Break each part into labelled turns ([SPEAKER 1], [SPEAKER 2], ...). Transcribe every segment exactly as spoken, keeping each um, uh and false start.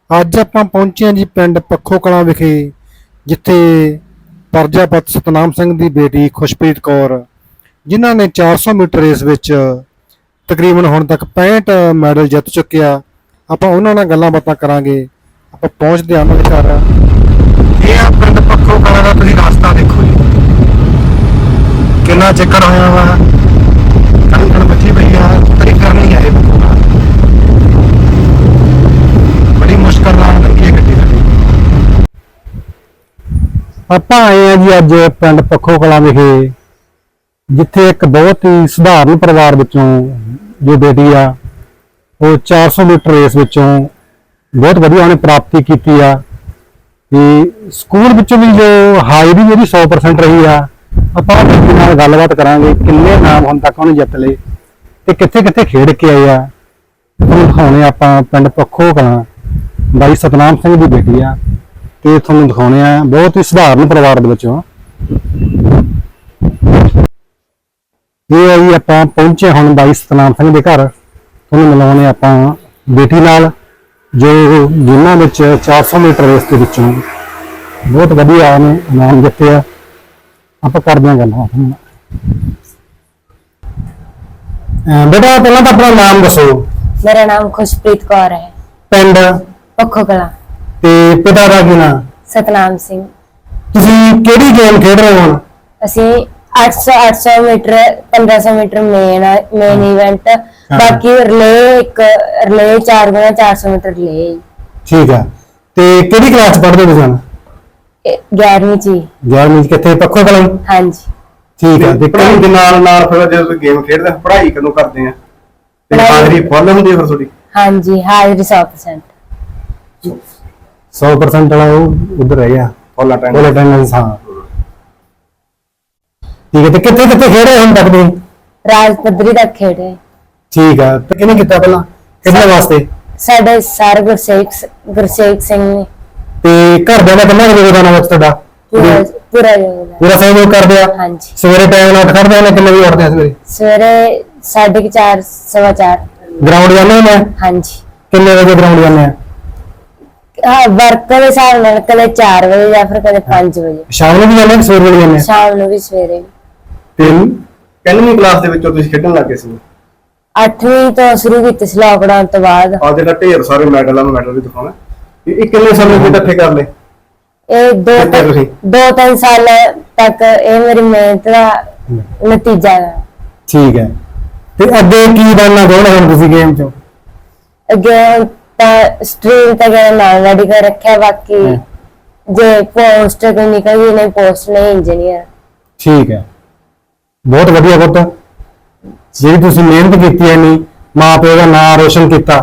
[SPEAKER 1] ਅੱਜ ਆਪਾਂ ਪਹੁੰਚੇ ਹਾਂ ਜੀ ਪਿੰਡ ਪੱਖੋ ਕਲਾਂ ਵਿਖੇ, ਜਿੱਥੇ ਪ੍ਰਜਾਪਤ ਸਤਨਾਮ ਸਿੰਘ ਦੀ ਬੇਟੀ ਖੁਸ਼ਪ੍ਰੀਤ ਕੌਰ, ਜਿਨ੍ਹਾਂ ਨੇ ਚਾਰ ਸੌ ਮੀਟਰ ਰੇਸ ਵਿੱਚ ਤਕਰੀਬਨ ਹੁਣ ਤੱਕ ਪੈਂਹਠ ਮੈਡਲ ਜਿੱਤ ਚੁੱਕੇ ਆ। ਆਪਾਂ ਉਹਨਾਂ ਨਾਲ ਗੱਲਾਂ ਬਾਤਾਂ ਕਰਾਂਗੇ। ਆਪਾਂ ਪਹੁੰਚਦੇ ਹਾਂ ਉਹਨਾਂ ਦੇ ਘਰ। ਇਹ ਆ ਪਿੰਡ ਪੱਖੋ ਕਲਾਂ ਦਾ ਤੁਸੀਂ ਰਸਤਾ ਦੇਖੋ ਜੀ, ਕਿੰਨਾ ਚੱਕਰ ਹੋਇਆ ਵਾ। ਕੰਨ ਬੱਚੀ ਪਈ ਆ, ਤਰੀ ਕਰਨੀ ਆਏ ਪੱਖੋ ਕਲਾਂ, ਬੜੀ ਮੁਸ਼ਕਲ ਨਾਲ ਲੱਗੀ ਗੱਡੀ ਸਾਡੀ। ਆਪਾਂ ਆਏ ਆ ਜੀ ਅੱਜ ਪਿੰਡ ਪੱਖੋ ਕਲਾਂ ਵਿਖੇ, ਜਿੱਥੇ ਇੱਕ ਬਹੁਤ ਹੀ ਸਧਾਰਨ ਪਰਿਵਾਰ ਵਿੱਚੋਂ ਜੋ ਬੇਟੀ ਆ, ਉਹ ਚਾਰ ਸੌ ਮੀਟਰ ਰੇਸ ਵਿੱਚੋਂ ਬਹੁਤ ਵਧੀਆ ਉਹਨੇ ਪ੍ਰਾਪਤੀ ਕੀਤੀ ਆ। ਤੇ ਸਕੂਲ ਵਿੱਚੋਂ ਵੀ ਜੋ ਹਾਜ਼ਰੀ ਜਿਹੜੀ ਸੌ ਪਰਸੈਂਟ ਰਹੀ ਆ। ਆਪਾਂ ਬੇਟੀ ਨਾਲ ਗੱਲਬਾਤ ਕਰਾਂਗੇ, ਕਿੰਨੇ ਨਾਮ ਹੁਣ ਤੱਕ ਉਹਨੇ ਜਿੱਤ ਲਏ ਤੇ ਕਿੱਥੇ ਕਿੱਥੇ ਖੇਡ ਕੇ ਆਏ ਆ। ਤੁਹਾਨੂੰ ਦਿਖਾਉਣੇ ਆਪਾਂ ਪਿੰਡ ਪੱਖੋ ਕਲਾਂ, ਬਾਈ ਸਤਨਾਮ ਸਿੰਘ ਦੀ ਬੇਟੀ ਆ, ਤੇ ਤੁਹਾਨੂੰ ਦਿਖਾਉਣੇ ਆ ਬਹੁਤ ਹੀ ਸਧਾਰਨ ਪਰਿਵਾਰ ਦੇ ਵਿੱਚੋਂ। ਇਹ ਆ ਜੀ, ਆਪਾਂ ਪਹੁੰਚੇ ਹੁਣ ਬਾਈ ਸਤਨਾਮ ਸਿੰਘ ਦੇ ਘਰ। ਤੁਹਾਨੂੰ ਮਿਲਾਉਣੇ ਆਪਾਂ ਬੇਟੀ ਨਾਲ, ਜੋ ਜਿਨ੍ਹਾਂ ਵਿੱਚ ਚਾਰ ਸੌ ਮੀਟਰ ਰੇਸ ਦੇ ਵਿੱਚੋਂ ਬਹੁਤ ਵਧੀਆ ਉਹਨੇ ਇਨਾਮ ਜਿੱਤੇ ਆ। ਆਪਾਂ ਕਰਦੇ ਹਾਂ ਗੱਲਾਂ। ਬੇਟਾ ਪਹਿਲਾਂ ਤਾਂ ਆਪਣਾ ਨਾਮ ਦੱਸੋ।
[SPEAKER 2] मेरा नाम खुशप्रीत कौर है,
[SPEAKER 1] ਪਿੰਡ
[SPEAKER 2] पक्खो कला,
[SPEAKER 1] ਤੇ ਪਿਤਾ ਦਾ ਕੀ ਨਾਮ।
[SPEAKER 2] सतनाम सिंह।
[SPEAKER 1] ਤੁਸੀਂ ਕਿਹੜੀ ਗੇਮ ਖੇਡ ਰਹੇ ਹੋ ਹੁਣ।
[SPEAKER 2] ਅਸੀਂ ਅੱਠ ਸੌ ਅੱਠ ਸੌ ਮੀਟਰ ਪੰਦਰਾਂ ਸੌ ਮੀਟਰ ਮੇਨ ਮੇਨ ਇਵੈਂਟ, ਬਾਕੀ ਰਿਲੇ ਇੱਕ ਰਿਲੇ ਚਾਰ ਗੁਣਾ ਚਾਰ ਸੌ ਮੀਟਰ ਰਿਲੇ।
[SPEAKER 1] ਠੀਕ ਆ, ਤੇ ਕਿਹੜੀ ਕਲਾਸ ਪੜ੍ਹਦੇ ਹੋ ਤੁਸੀਂ।
[SPEAKER 2] ਗਿਆਰਵੀਂ ਚ।
[SPEAKER 1] ਗਿਆਰਵੀਂ ਚ ਕਿੱਥੇ ਪੱਖੋ ਕਲਾਂ।
[SPEAKER 2] ਹਾਂਜੀ
[SPEAKER 1] ਠੀਕ ਆ, ਤੇ
[SPEAKER 3] ਪੜ੍ਹਾਈ ਦੇ ਨਾਲ ਨਾਲ ਫਿਰ ਜਦੋਂ ਤੁਸੀਂ ਗੇਮ ਖੇਡਦੇ ਹੋ, ਪੜ੍ਹਾਈ ਕਦੋਂ ਕਰਦੇ ਆ ਤੇ ਹਾਜ਼ਰੀ ਫੁੱਲ ਹੁੰਦੀ ਹੈ ਫਿਰ ਤੁਹਾਡੀ।
[SPEAKER 2] ਹਾਂਜੀ, ਹਾਜ਼ਰੀ ਸੌ ਪਰਸੈਂਟ।
[SPEAKER 1] ਸੌ ਪਰਸੈਂਟ ਵਾਲਾ ਉਹ ਉਧਰ ਰਹਿ ਗਿਆ,
[SPEAKER 3] ਫੁੱਲ ਅਟੈਂਡ।
[SPEAKER 1] ਫੁੱਲ ਅਟੈਂਡੈਂਸ। ਹਾਂ ਠੀਕ ਹੈ, ਤੇ ਕਿੱਥੇ ਕਿੱਥੇ ਖੇਡੇ ਹੁਣ ਤੱਕ ਤੁਸੀਂ।
[SPEAKER 2] ਰਾਜ ਪੱਧਰੀ ਤੱਕ ਖੇਡੇ।
[SPEAKER 1] ਠੀਕ ਆ, ਤੇ ਕਿਹਨੇ ਕੀਤਾ ਪਹਿਲਾਂ, ਕਿਹਦੇ ਵਾਸਤੇ।
[SPEAKER 2] ਸਾਡੇ ਸਰ ਗੁਰਸੇਵਕ ਗੁਰਸੇਵਕ ਸਿੰਘ ਨੇ।
[SPEAKER 1] ਤੇ ਘਰਦਿਆਂ ਦਾ ਕਿੰਨਾ ਕੁ ਯੋਗਦਾਨ ਆ ਵਿੱਚ ਤੁਹਾਡਾ।
[SPEAKER 2] ਪੂਰਾ ਪੂਰਾ ਯੋਗਦਾਨ।
[SPEAKER 1] ਪੂਰਾ ਸਹਿਯੋਗ ਕਰਦੇ ਆ।
[SPEAKER 2] ਹਾਂਜੀ,
[SPEAKER 1] ਸਵੇਰੇ ਟਾਈਮ ਨਾਲ ਉੱਠ ਖੜਦੇ ਨੇ, ਕਿੰਨੇ ਵਜੇ ਉੱਠਦੇ ਆ ਸਵੇਰੇ।
[SPEAKER 2] ਸਵੇਰੇ ਸਾਢੇ ਕੁ ਚਾਰ ਸਵਾ ਚਾਰ।
[SPEAKER 1] ਗਰਾਊਂਡ ਜਾਂਦੇ ਹੁੰਦੇ ਆ।
[SPEAKER 2] ਹਾਂਜੀ,
[SPEAKER 1] ਕਿੰਨੇ ਵਜੇ ਗਰਾਊਂਡ ਜਾਂਦੇ ਆ।
[SPEAKER 2] ਹਾਂ ਵਰਕ ਦੇ ਹਿਸਾਬ ਨਾਲ ਕਦੇ ਚਾਰ ਵਜੇ ਜਾਂ ਫਿਰ ਕਦੇ ਪੰਜ ਵਜੇ।
[SPEAKER 1] ਸ਼ਾਮ ਨੂੰ ਵੀ ਜਾਂਦੇ ਆ, ਸਵੇਰੇ ਵੀ ਜਾਂਦੇ ਆ।
[SPEAKER 2] ਸ਼ਾਮ ਨੂੰ ਵੀ ਸਵੇਰੇ ਵੀ।
[SPEAKER 1] ਤੇ
[SPEAKER 3] ਕਿੰਨਵੀਂ ਕਲਾਸ ਦੇ ਵਿੱਚੋਂ ਤੁਸੀਂ ਖੇਡਣ ਲੱਗੇ ਸੀ।
[SPEAKER 2] ਅੱਠਵੀਂ ਤੋਂ ਸ਼ੁਰੂ ਕੀਤੀ ਸੀ ਲਾਕਡਾਊਨ ਤੋਂ ਬਾਅਦ।
[SPEAKER 3] ਆ ਜਿਹੜਾ ਢੇਰ ਸਾਰੇ ਮੈਡਲਾਂ ਨੂੰ ਮੈਡਲ ਵੀ ਦਿਖਾਉਣਾ, ਇਹ ਕਿੰਨੇ ਸਮੇਂ ਦੇ ਇਕੱਠੇ ਕਰ ਲਏ।
[SPEAKER 2] ਇਹ ਦੋ
[SPEAKER 3] ਕਿੱਥੇ ਤੁਸੀਂ?
[SPEAKER 2] ਦੋ ਤਿੰਨ ਸਾਲ ਤੱਕ ਇਹ ਮੇਰੀ ਮਿਹਨਤ ਦਾ ਨਤੀਜਾ ਹੈ।
[SPEAKER 1] ਠੀਕ ਹੈ, ਤੇ ਅੱਗੇ ਕੀ ਬਣਨਾ ਚਾਹੁੰਦੇ ਹੋ ਤੁਸੀਂ ਗੇਮ ਚੋਂ।
[SPEAKER 2] ਅੱਗੇ ਤਾਂ ਸਟਰੀਮ ਤੇ ਗਏ ਨਾਲ ਰੈਡੀ ਕਰ ਰੱਖਿਆ, ਬਾਕੀ ਜੇ ਪੋਸਟ ਕੋਈ ਨਿਕਲ ਗਈ ਨਹੀਂ ਪੋਸਟ ਨਹੀਂ ਇੰਜੀਨੀਅਰ।
[SPEAKER 1] ਠੀਕ ਹੈ, ਬਹੁਤ ਵਧੀਆ ਪੁੱਤ, ਜਿਹੜੀ ਤੁਸੀਂ ਮਿਹਨਤ ਕੀਤੀ ਹੈ, ਨਹੀਂ ਮਾਂ ਪਿਓ ਦਾ ਨਾਮ ਰੋਸ਼ਨ ਕੀਤਾ।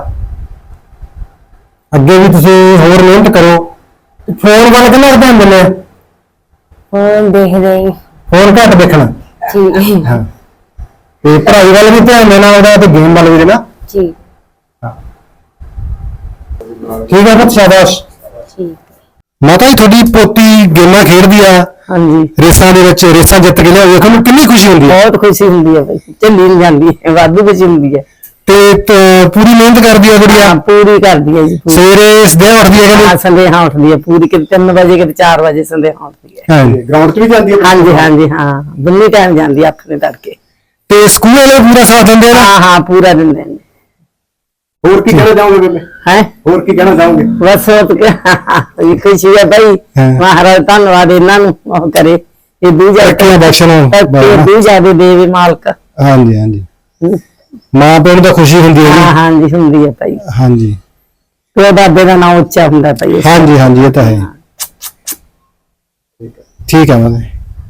[SPEAKER 1] ਅੱਗੇ ਵੀ ਤੁਸੀਂ ਹੋਰ ਮਿਹਨਤ ਕਰੋ। ਫੋਨ ਵੱਲ ਕਿੰਨਾ ਧਿਆਨ ਦਿੰਦੇ ਆ।
[SPEAKER 2] ਹੁਣ ਦੇਖਦੇ ਹੀ।
[SPEAKER 1] ਫੋਨ ਘੱਟ ਦੇਖਣਾ।
[SPEAKER 2] ਠੀਕ
[SPEAKER 1] ਹਾਂ, ਤੇ ਪੜ੍ਹਾਈ ਵੱਲ ਵੀ ਧਿਆਨ ਦੇਣਾ ਉਹਦਾ, ਤੇ ਗੇਮ ਵੱਲ ਵੀ ਦੇਣਾ।
[SPEAKER 2] ਠੀਕ
[SPEAKER 1] ਠੀਕ ਹੈ ਪੁੱਤ, ਸ਼ਾਬਾਸ਼।
[SPEAKER 2] ਠੀਕ।
[SPEAKER 1] ਮਾਤਾ ਜੀ, ਤੁਹਾਡੀ ਪੋਤੀ ਗੇਮਾਂ ਖੇਡਦੀ ਆ।
[SPEAKER 4] ਹਾਂਜੀ,
[SPEAKER 1] ਰੇਸਾਂ ਦੇ ਵਿੱਚ ਰੇਸਾਂ ਜਿੱਤ ਕੇ ਲਿਆਵੇ, ਤੁਹਾਨੂੰ ਕਿੰਨੀ ਖੁਸ਼ੀ ਹੁੰਦੀ ਹੈ।
[SPEAKER 4] ਬਹੁਤ ਖੁਸ਼ੀ ਹੁੰਦੀ ਹੈ ਭਾਈ, ਝੱਲੀ ਨਹੀਂ ਜਾਂਦੀ ਹੈ, ਵਾਧੂ ਖੁਸ਼ੀ ਹੁੰਦੀ ਹੈ।
[SPEAKER 1] ਤੇ ਤ- ਪੂਰੀ ਮਿਹਨਤ ਕਰਦੀ ਹੈ ਗੁੜੀਆ।
[SPEAKER 4] ਹਾਂ, ਪੂਰੀ ਕਰਦੀ ਹੈ ਜੀ, ਪੂਰੀ।
[SPEAKER 1] ਸਵੇਰੇ ਸਦਿਆਂ ਉੱਠਦੀ ਹੈ
[SPEAKER 4] ਹਾਂ,
[SPEAKER 1] ਕਹਿੰਦੇ।
[SPEAKER 4] ਸੰਦੇਹਾ ਉੱਠਦੀ ਹੈ ਪੂਰੀ, ਕਿਤੇ ਤਿੰਨ ਵਜੇ ਕਿਤੇ ਚਾਰ ਵਜੇ ਸੰਦੇਹਾ ਉੱਠਦੀ ਹੈ।
[SPEAKER 1] ਹਾਂਜੀ,
[SPEAKER 3] ਗਰਾਊਂਡ 'ਚ ਵੀ ਜਾਂਦੀ ਹੈ।
[SPEAKER 4] ਹਾਂਜੀ ਹਾਂਜੀ, ਹਾਂ ਬੰਨੀ ਟਾਈਮ ਜਾਂਦੀ ਹੈ ਅੱਖ ਨੇ ਤੜਕੇ।
[SPEAKER 1] ਤੇ ਸਕੂਲ ਵਾਲੇ ਪੂਰਾ ਸਾਥ ਦਿੰਦੇ ਆ ਨਾ।
[SPEAKER 4] ਹਾਂ ਹਾਂ, ਪੂਰਾ ਦਿੰਦੇ ਨੇ।
[SPEAKER 3] ਹੋਰ ਕੀ ਕਹਿਣਾ ਚਾਹੋਗੇ ਬੇਬੇ,
[SPEAKER 4] ਹੈ
[SPEAKER 3] ਹੋਰ ਕੀ ਕਹਿਣਾ ਚਾਹੋਗੇ।
[SPEAKER 4] ਬਸ ਉਹ ਤਾਂ ਖੁਸ਼ੀ ਹੈ ਭਾਈ,
[SPEAKER 1] ਹਾਂ।
[SPEAKER 4] ਮਹਾਰਾਜ ਧੰਨਵਾਦ ਇਹਨਾਂ ਨੂੰ ਉਹ ਕਰੇ, ਇਹ ਦੂਜਾ
[SPEAKER 1] ਤਰੱਕੀਆਂ ਬਖਸ਼ਣ।
[SPEAKER 4] ਦੂਜਾ ਦੇ ਦੇਵੇ ਮਾਲਕ।
[SPEAKER 1] ਹਾਂਜੀ ਹਾਂਜੀ, ਮਾਂ ਪਿਓ ਨੂੰ ਤਾਂ ਖੁਸ਼ੀ ਹੁੰਦੀ ਹੈ
[SPEAKER 4] ਹਾਂ
[SPEAKER 1] ਜੀ।
[SPEAKER 4] ਹਾਂਜੀ, ਹੁੰਦੀ ਹੈ ਭਾਈ,
[SPEAKER 1] ਹਾਂਜੀ
[SPEAKER 4] ਪਿਓ ਦਾਦੇ ਦਾ ਨਾਮ ਉੱਚਾ ਹੁੰਦਾ ਭਾਈ।
[SPEAKER 1] ਹਾਂਜੀ ਹਾਂਜੀ, ਇਹ ਤਾਂ ਹੈ। ਠੀਕ ਹੈ ਮਾਤਾ।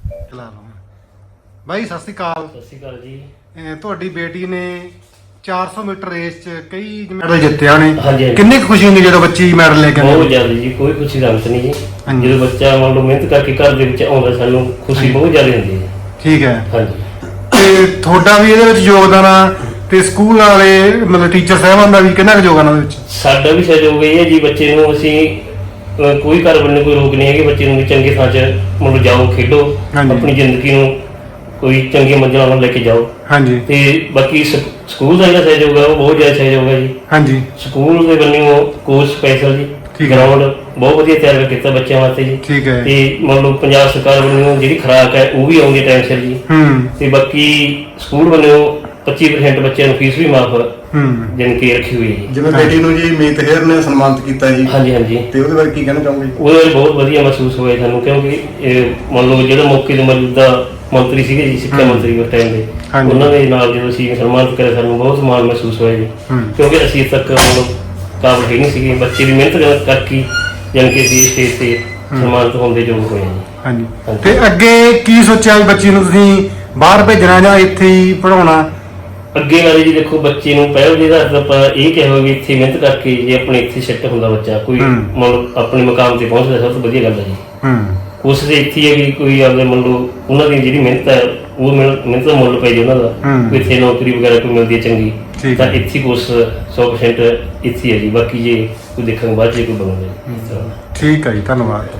[SPEAKER 1] ਬਾਈ ਸਤਿ ਸ਼੍ਰੀ ਅਕਾਲ।
[SPEAKER 5] ਸਤਿ ਸ਼੍ਰੀ ਅਕਾਲ ਜੀ।
[SPEAKER 1] ਅਹ ਤੁਹਾਡੀ ਬੇਟੀ ਨੇ ਚਾਰ ਸੌ ਮੀਟਰ ਰੇਸ 'ਚ ਕਈ ਮੈਡਲ ਜਿੱਤਿਆ ਨੇ।
[SPEAKER 5] ਹਾਂਜੀ, ਹਾਂਜੀ।
[SPEAKER 1] ਕਿੰਨੀ ਕੁ ਖੁਸ਼ੀ ਹੁੰਦੀ ਜਦੋਂ ਬੱਚੀ ਮੈਡਲ ਲੈ ਕੇ
[SPEAKER 5] ਬਹੁਤ
[SPEAKER 1] ਆਉਂਦੀ।
[SPEAKER 5] ਜ਼ਿਆਦਾ ਜੀ, ਕੋਈ ਖੁਸ਼ੀ ਦਾ ਅੰਤ ਨਹੀਂ ਜੀ।
[SPEAKER 1] ਹਾਂਜੀ।
[SPEAKER 5] ਜਦੋਂ ਬੱਚਾ ਮੰਨ ਲਓ ਮਿਹਨਤ ਕਰਕੇ ਘਰ ਦੇ ਵਿੱਚ ਆਉਂਦਾ, ਸਾਨੂੰ ਖੁਸ਼ੀ ਬਹੁਤ ਜ਼ਿਆਦਾ ਹੁੰਦੀ ਹੈ।
[SPEAKER 1] ਠੀਕ ਹੈ,
[SPEAKER 5] ਹਾਂਜੀ,
[SPEAKER 1] ਤੇ ਤੁਹਾਡਾ ਵੀ ਇਹਦੇ ਵਿੱਚ ਯੋਗਦਾਨ ਆ, ਤੇ ਸਕੂਲ ਵਾਲੇ ਮਤਲਬ ਟੀਚਰ ਸਾਹਿਬਾਨ ਦਾ ਵੀ ਕਿੰਨਾ ਕੁ ਯੋਗਦਾਨ ਉਹਦੇ ਵਿੱਚ।
[SPEAKER 5] ਸਾਡਾ ਵੀ ਸਹਿਯੋਗ ਇਹ ਹੈ ਜੀ, ਬੱਚੇ ਨੂੰ ਅਸੀਂ ਅਹ, ਕੋਈ ਘਰ ਵੱਲੋਂ ਕੋਈ ਰੋਕ ਨਹੀਂ ਹੈ ਕਿ ਬੱਚੇ ਨੂੰ ਵੀ ਚੰਗੇ ਥਾਂ 'ਚ ਮਤਲਬ ਜਾਓ, ਖੇਡੋ,
[SPEAKER 1] ਹਾਂਜੀ।
[SPEAKER 5] ਆਪਣੀ ਜ਼ਿੰਦਗੀ ਨੂੰ ਕੋਈ ਚੰਗੀ ਮੰਜ਼ਿਲਾਂ ਵੱਲ ਲੈ ਕੇ ਜਾਓ।
[SPEAKER 1] ਹਾਂਜੀ
[SPEAKER 5] ਤੇ ਬਾਕੀ ਸਕੂਲ ਦਾ ਜਿਹੜਾ ਸਹਿਯੋਗ ਹੈ ਉਹ ਬਹੁਤ ਜ਼ਿਆਦਾ ਸਹਿਯੋਗ ਹੈ ਜੀ।
[SPEAKER 1] ਹਾਂਜੀ
[SPEAKER 5] ਸਕੂਲ ਦੇ ਵੱਲੋਂ ਕੋਚ ਸਪੈਸ਼ਲ ਜੀ
[SPEAKER 1] ਠੀਕ ਹੈ।
[SPEAKER 5] ਗਰਾਊਂਡ ਬਹੁਤ ਵਧੀਆ ਤਿਆਰ ਕੀਤਾ ਬੱਚਿਆਂ ਵਾਸਤੇ ਜੀ।
[SPEAKER 1] ਠੀਕ ਹੈ।
[SPEAKER 5] ਤੇ ਮੰਨ ਲਓ ਪੰਜਾਬ ਸਰਕਾਰ ਵੱਲੋਂ ਜਿਹੜੀ ਖੁਰਾਕ ਹੈ ਉਹ ਵੀ ਆਉਂਦੀ ਟਾਈਮ ਸਿਰ ਜੀ।
[SPEAKER 1] ਹੂੰ
[SPEAKER 5] ਤੇ ਬਾਕੀ ਸਕੂਲ ਵੱਲੋਂ ਪੱਚੀ ਪਰਸੈਂਟ ਬੱਚਿਆਂ ਨੂੰ ਫੀਸ ਵੀ ਮਾਫ
[SPEAKER 1] ਹੂੰ
[SPEAKER 5] ਜਾਣੀ ਕਿ ਰੱਖੀ ਹੋਈ ਹੈ ਜੀ।
[SPEAKER 3] ਜਿਵੇਂ ਬੇਟੀ ਨੂੰ ਜੀ ਮੀਤ ਹੇਅਰ ਨੇ ਸਨਮਾਨਿਤ ਕੀਤਾ ਜੀ,
[SPEAKER 5] ਹਾਂਜੀ ਹਾਂਜੀ,
[SPEAKER 3] ਤੇ ਉਹਦੇ ਬਾਰੇ ਕੀ ਕਹਿਣਾ ਚਾਹੋਗੇ ਜੀ?
[SPEAKER 5] ਉਹਦੇ ਬਾਰੇ ਬਹੁਤ ਵਧੀਆ ਮਹਿਸੂਸ ਹੋਇਆ ਸਾਨੂੰ, ਕਿਉਂਕਿ ਇਹ ਮੰਨ ਲਓ ਜਿਹੜਾ ਮੌਕੇ ਦੇ ਮੌਜੂਦਾ ਮੰਤਰੀ ਸੀਗੇ ਜੀ, ਸਿੱਖਿਆ ਮੰਤਰੀ ਉਸ ਟਾਈਮ ਦੇ,
[SPEAKER 1] ਹਾਂਜੀ।
[SPEAKER 5] ਉਹਨਾਂ ਦੇ ਨਾਲ ਜਦੋਂ ਅਸੀਂ ਸਨਮਾਨਿਤ ਕਰਿਆ ਸਾਨੂੰ ਬਹੁਤ ਮਾਣ ਮਹਿਸੂਸ ਹੋਇਆ ਜੀ।
[SPEAKER 1] ਹੂੰ।
[SPEAKER 5] ਕਿਉਂਕਿ ਅਸੀਂ ਤੱਕ ਮਤਲਬ ਕਾਬਲ ਹੀ ਨਹੀਂ ਸੀਗੇ, ਬੱਚੇ ਦੀ ਮਿਹਨਤ ਕਰਕੇ ਜਾਣੀ ਕਿ ਅਸੀਂ ਸਟੇਜ ਤੇ ਸਨਮਾਨਿਤ ਹੋਣ ਦੇ ਯੋਗ ਹੋਏ ਜੀ।
[SPEAKER 1] ਹਾਂਜੀ।
[SPEAKER 5] ਹਾਂਜੀ।
[SPEAKER 1] ਤੇ ਅੱਗੇ ਕੀ ਸੋਚਿਆ ਵੀ ਬੱਚੀ ਨੂੰ ਤੁਸੀਂ ਬਾਹਰ ਭੇਜਣਾ ਜਾਂ ਇੱਥੇ ਹੀ ਪੜਾਉਣਾ?
[SPEAKER 5] ਅੱਗੇ ਵਾਲੇ ਜੀ ਦੇਖੋ, ਬੱਚੇ ਨੂੰ ਪਹਿਲ ਦੇ ਆਧਾਰ ਤੇ ਆਪਾਂ ਇਹ ਕਿਹਾ ਹੋਵੇ ਵੀ ਇੱਥੇ ਮਿਹਨਤ ਕਰਕੇ ਜੇ ਆਪਣੇ ਇੱਥੇ ਸੈੱਟ ਹੁੰਦਾ ਬੱਚਾ, ਕੋਈ
[SPEAKER 1] ਹੂੰ।
[SPEAKER 5] ਮਤਲਬ ਆਪਣੇ ਮੁਕਾਮ ਤੇ ਪਹੁੰਚਦਾ, ਸਭ ਤੋਂ ਵਧੀਆ ਗੱਲ ਹੈ ਜੀ।
[SPEAKER 1] ਹੂੰ
[SPEAKER 5] ਕੋਸ਼ਿਸ਼ ਇੱਥੇ ਹੈ ਕਿ ਕੋਈ ਆਪਦੇ ਮੰਨ ਲਓ ਉਹਨਾਂ ਦੀ ਜਿਹੜੀ ਮਿਹਨਤ ਹੈ ਉਹ ਮਿਹਨਤ ਮਿਹਨਤ ਦਾ ਮੁੱਲ ਪੈ ਜੇ ਉਹਨਾਂ ਦਾ,
[SPEAKER 1] ਹੂੰ।
[SPEAKER 5] ਕੋਈ ਇੱਥੇ ਨੌਕਰੀ ਵਗੈਰਾ ਕੋਈ ਮਿਲਦੀ ਹੈ ਚੰਗੀ,
[SPEAKER 1] ਠੀਕ
[SPEAKER 5] ਤਾਂ
[SPEAKER 1] ਹੈ।
[SPEAKER 5] ਇੱਥੇ ਹੀ ਕੋਸ਼ਿਸ਼ ਸੌ ਪਰਸੈਂਟ ਇੱਥੇ ਹੈ ਜੀ। ਬਾਕੀ ਜੇ ਕੋਈ ਦੇਖਾਂਗੇ ਬਾਅਦ 'ਚ ਕੋਈ ਬਣੂਗਾ ਜੀ ਇਸ ਤਰ੍ਹਾਂ।
[SPEAKER 1] ਠੀਕ ਹੈ ਜੀ, ਧੰਨਵਾਦ।